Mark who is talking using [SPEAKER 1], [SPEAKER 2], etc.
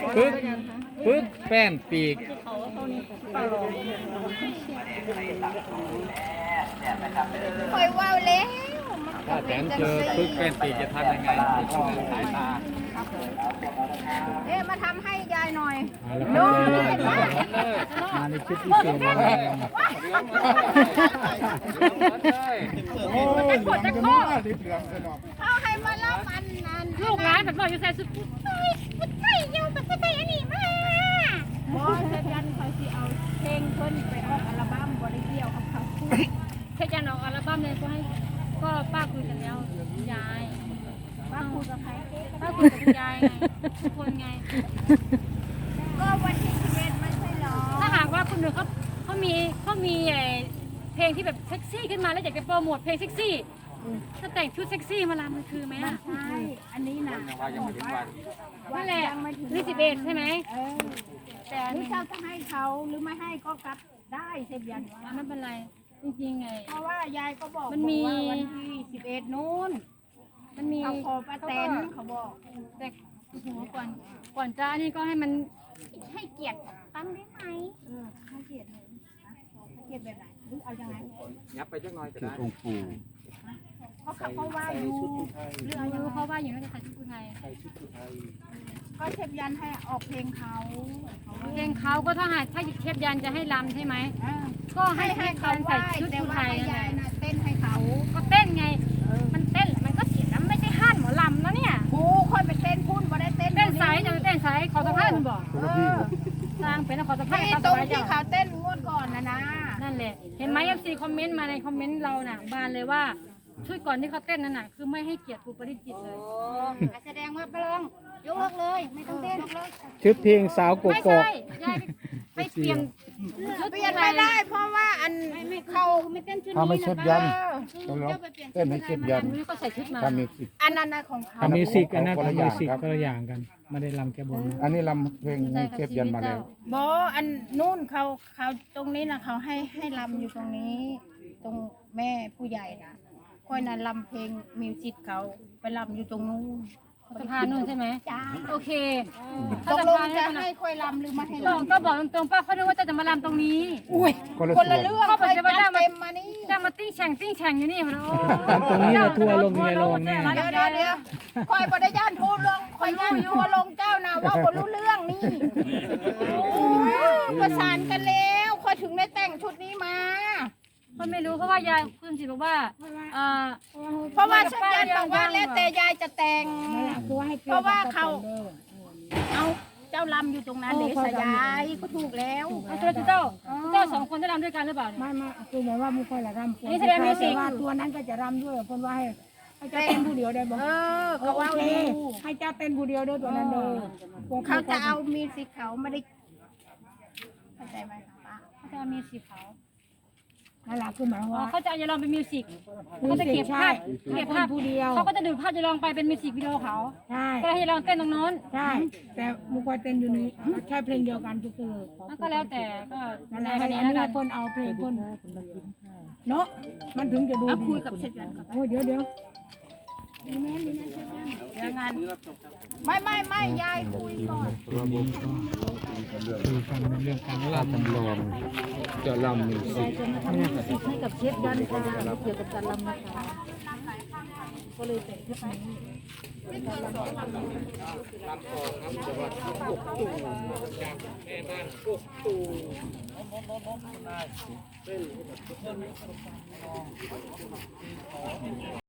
[SPEAKER 1] ปึ๊กแป้นปีก
[SPEAKER 2] คอยว่าวแล้ว
[SPEAKER 1] ถ้าแสนเจอปึ๊กแป้นปีกจะทำยังไงสายตา
[SPEAKER 2] มาทำให้ยายหน่อย
[SPEAKER 1] ดู
[SPEAKER 3] มาในชุดพิเศษมาแล้ว
[SPEAKER 2] โอ้ยปวดจะคอเขาให้มาเล่ามันนั่น
[SPEAKER 4] ลูกหลานแบบบอกอยู่ใส่สุดไม่ยังแบบไม่อันนี้มา
[SPEAKER 2] บอสยันคอยสิเอาเพลงเพิ่นไปออกอัลบั้มบริเดียวกับเขา
[SPEAKER 4] แค่จะออกอัลบั้มเลยก็ให้ก็ป้าคุยกันแล้วยาย
[SPEAKER 2] ว่าคุยกับใคร
[SPEAKER 4] ป้าคุยกับยายไงทุกคนไง
[SPEAKER 2] ก็วันที่11ไม่ใช่หรอ
[SPEAKER 4] ถ้าหากว่าคนหนึ่งเขามีเพลงที่แบบเซ็กซี่ขึ้นมาแล้วอยากจะโปรโมทเพลงเซ็กซี่ถ้าแต่งชุดเซ็กซี่มาลำมันคือไหมอ่ะ
[SPEAKER 2] ใช่อันนี้นะ
[SPEAKER 4] นั่นแหละนี่11ใช่ไหม
[SPEAKER 2] แต่นี่เจ้าจะให้เขาหรือไม่ให้ก็กลับได้เซฟยัน
[SPEAKER 4] ไม่เป็นไรจริงๆไง
[SPEAKER 2] เพราะว่ายายก็บอก
[SPEAKER 4] มันมี
[SPEAKER 2] ว่าวันที่11นู้น
[SPEAKER 4] มันมี
[SPEAKER 2] เขาขอป้าแตนเขาบอก
[SPEAKER 4] แต่โอ้โหก่อนจะนี่ก็ให้มันให้เกียรติตั้งได้ไหม
[SPEAKER 2] ให้เกียรติเลยนะให้เกียรติแบบไหนหรือเอายังไง
[SPEAKER 1] ยับไปจักหน่อยก็
[SPEAKER 3] ชุด
[SPEAKER 1] ได้
[SPEAKER 3] องค์ปู่
[SPEAKER 2] เพราะเขาว่าอยู่
[SPEAKER 4] เรื่องอายุเขาว่าอยู่น่าจะใส่ชุดไทย
[SPEAKER 2] ก็เชฟยันให้ออกเพลงเขา
[SPEAKER 4] เพลงเขาก็ถ้าหากถ้าเทพยันจะให้รำใช่ไหม
[SPEAKER 2] อ่า
[SPEAKER 4] ก็ให้
[SPEAKER 2] ให้
[SPEAKER 4] ให้
[SPEAKER 2] เขา
[SPEAKER 4] เขา
[SPEAKER 2] ไหว้
[SPEAKER 4] ใส่ชุด
[SPEAKER 2] แต่
[SPEAKER 4] ไท
[SPEAKER 2] ว่าย
[SPEAKER 4] นั่นแห
[SPEAKER 2] ยาย
[SPEAKER 4] ละ
[SPEAKER 2] น่ะเต้นให้เขา
[SPEAKER 4] ก็เต้นไง มันเต้นมันก็เสียน้ำไม่ใช่ห้านหมอลำนะเนี่ย
[SPEAKER 2] กูค่อยไปเต้นพุ่นบ่ได้เต้น
[SPEAKER 4] เต้นสายจะเต้นสายขอสะพานมันบอก
[SPEAKER 2] เออ
[SPEAKER 4] สร้างเป็นขอสะพาน
[SPEAKER 2] ที่
[SPEAKER 4] ขอ
[SPEAKER 2] ต
[SPEAKER 4] สะ
[SPEAKER 2] รง
[SPEAKER 4] พาน
[SPEAKER 2] ที่
[SPEAKER 4] เจ้า
[SPEAKER 2] เขาเต้นงวดก่อนนะ
[SPEAKER 4] นั่นแหละเห็นไหมเอฟซีคอมเมนต์มาในคอมเมนต์เราน่ะบานเลยว่าช่วยก่อนที่เขาเต้นนั่นน่ะคือไม่ให้เกียรติครูปริจิตเลย
[SPEAKER 2] แสดงว่าไปลองยกเลิกเลยไม่ต้องเต้น
[SPEAKER 3] ชุดเพลงสาวก
[SPEAKER 4] ไม่
[SPEAKER 3] กอก
[SPEAKER 4] ใช่ยายไปเปลี่ยนชุด
[SPEAKER 2] เปลี่ยนไม่ได้เพราะว่าอันเขา
[SPEAKER 4] ไม่เต้นชุด
[SPEAKER 3] ถ้าไม่
[SPEAKER 4] นี้
[SPEAKER 3] ชุด
[SPEAKER 4] นะ
[SPEAKER 3] ยัน
[SPEAKER 2] เออ
[SPEAKER 3] ต้องร้องเต้นให้เชฟยัน
[SPEAKER 4] นี่ก็ใส่ชุดมา
[SPEAKER 3] ถ้ามีสิทธิ์
[SPEAKER 2] อันนั้นนะของเขา
[SPEAKER 3] ทำมิวสิกอันนั้น
[SPEAKER 1] คนละอย่างครับ
[SPEAKER 3] คนละอย่างกัน ไม่ได้ลำแก้บนอันนี้ลำเพลงให้เชฟยันมาแล้ว
[SPEAKER 2] บออันนู่นเขาตรงนี้นะเขาให้ลำอยู่ตรงนี้ ตรงแม่ผู้ใหญ่นะค่อยนั้นลำเพลงมิวสิกเขาไปลำอยู่ตรงนู้น
[SPEAKER 4] สะพานนู่นใช่ไหม
[SPEAKER 2] จ้า
[SPEAKER 4] โอเค
[SPEAKER 2] ตกลงจะให้ค่อยลำหรือไม่ให้ลำ
[SPEAKER 4] ก็บอกตรงๆป้าเขาคิดว่าจะมาลำตรงนี้
[SPEAKER 2] อุ้ย
[SPEAKER 3] คนละ
[SPEAKER 2] คนละ
[SPEAKER 3] ส่วน
[SPEAKER 2] เรื่อง
[SPEAKER 4] เขาบอก
[SPEAKER 2] ค่อย
[SPEAKER 4] จะมา
[SPEAKER 2] จัด
[SPEAKER 4] ได้มา
[SPEAKER 2] เต็มมานี่
[SPEAKER 4] จะมาติ้งแข่งอยู่นี่มันโอ้
[SPEAKER 3] ตรงนี้นะทัวร์ลงไงลงแน่
[SPEAKER 2] เดี๋ยวคอยบริย่านทูลงคอยย่านทัวร์ลงเจ้านะว่าคนรู้เรื่องนี่ประสานกันแล้วคอยถึงได้แต่งชุดนี้มา
[SPEAKER 4] คนไม่รู้เพราะว่ายายคุณสิบอกว่า
[SPEAKER 2] เพราะว่าชักยันบอกว่าแล้วแต่ยายจะแต่ง เพราะว่าเขาเอาเจ้าลำอยู่ตรงนั้นเดชยายก็ถูกแล้ว
[SPEAKER 4] เจ้าสองคนจะรำด้วยกันหรือเปล่าเนี่ย
[SPEAKER 5] ไม่คือหมายว่ามุขละรำ
[SPEAKER 4] อันนี้แสดงมิวสิก
[SPEAKER 5] ว่าตัวนั้นก็จะรำด้วยคนว่าให้เจ้าเต้นผู้เดียวได้บอก
[SPEAKER 2] ก็
[SPEAKER 5] โอ
[SPEAKER 2] ว่า
[SPEAKER 5] เค
[SPEAKER 2] อยู่
[SPEAKER 5] ให้เจ้าเต้นผู้เดียวด้วยตัวนั้นเลย
[SPEAKER 2] เขาจะเอามีสิเขาไม่ได้เข้าใจไหมคะป้า
[SPEAKER 4] เขาจะมีสีขาว
[SPEAKER 5] นั่นแหละคือหมายว่า
[SPEAKER 4] เขาจะจะลองเป็นมิวสิกเขาจะเก็บภาพ
[SPEAKER 5] ผู้เดียว
[SPEAKER 4] เขาก็จะดูภาพจะลองไปเป็นมิวสิกวิดีโอเขา
[SPEAKER 5] ใช่
[SPEAKER 4] ก็ให้ลองเต้นตรงโน้น
[SPEAKER 5] ใช่แต่มุขเต้นอยู่นี้แค่เพลงเดียวกันก็คือ
[SPEAKER 4] ก็แล้วแต่ก็
[SPEAKER 5] นั่นแห
[SPEAKER 4] แต่
[SPEAKER 5] ละ
[SPEAKER 4] กั
[SPEAKER 5] อั
[SPEAKER 4] น
[SPEAKER 5] น
[SPEAKER 4] นี้
[SPEAKER 5] นี้
[SPEAKER 4] แล้วกัน
[SPEAKER 5] คนเอาเพลงคนเนาะมันถึงจะดู
[SPEAKER 2] เอาคุยกับเชฟยันก่อน
[SPEAKER 5] โอ้เดี๋ยว
[SPEAKER 2] เดี๋ยวงานไม่ยายคุยก่อน
[SPEAKER 3] คือการเรื่องการลำจำลองจะลำมิวสิก
[SPEAKER 5] ให้กับเชฟยันค่ะเกี่ยวกับการรำนะคะก็เลยแต่งชุดนี้
[SPEAKER 1] เป็น